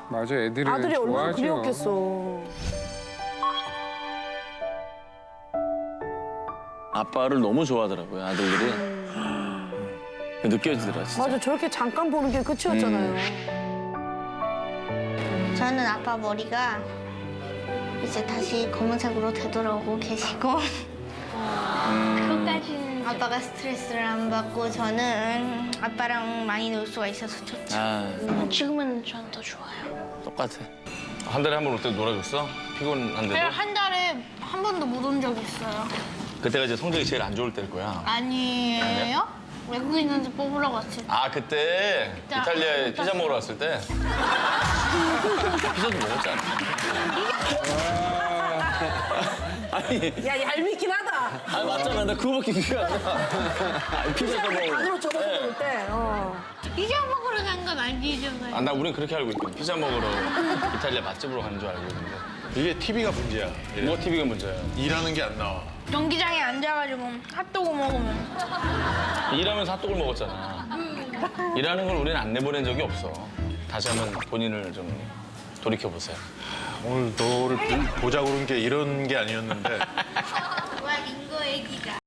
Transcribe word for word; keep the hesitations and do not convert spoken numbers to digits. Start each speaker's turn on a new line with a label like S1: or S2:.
S1: 맞아, 애들이
S2: 아들이 얼마나
S1: 좋아하죠.
S2: 그리웠겠어.
S3: 아빠를 너무 좋아하더라고요, 아들들이. 느껴지더라, 진짜.
S2: 맞아, 저렇게 잠깐 보는 게 끝이었잖아요.
S4: 저는 아빠 머리가 이제 다시 검은색으로 되돌아오고 계시고 그것까지는 아빠가 스트레스를 안 받고 저는 아빠랑 많이 놀 수가 있어서 좋죠.
S3: 아,
S4: 지금은 저는 더 좋아요.
S3: 똑같아. 한 달에 한 번 올 때 놀아줬어? 피곤한데도?
S4: 그냥 한 달에 한 번도 못 온 적 있어요.
S3: 그때가 이제 성적이 제일 안 좋을 때일 거야.
S4: 아니에요? 외국인한테 뽑으러 갔을 때.
S3: 아, 그때
S4: 자,
S3: 이탈리아에 피자 먹으러 왔을 때? 피자도 먹었잖아. 아니,
S2: 야, 얄밉긴 하다.
S3: 아 맞잖아. 나 그거밖에 기억 안 나. 아니, 피자도 먹고.
S2: 안으로 접어서
S3: 네.
S2: 먹을 때. 어.
S4: 피자 먹으러 간 건 아니잖아요.
S3: 아, 나 우린 그렇게 알고 있거든. 피자 먹으러 이탈리아 맛집으로 가는 줄 알고 있는데.
S5: 이게 티비가 문제야.
S3: 뭐가 티비가 문제야?
S5: 일하는 게 안 나와.
S4: 경기장에 앉아가지고 핫도그 먹으면
S3: 일하면서 핫도그를 먹었잖아. 일하는 걸 우리는 안 내보낸 적이 없어. 다시 한번 본인을 좀 돌이켜보세요.
S5: 오늘 너를 보- 보자고 그런 게 이런 게 아니었는데.
S4: 와 링거 애기가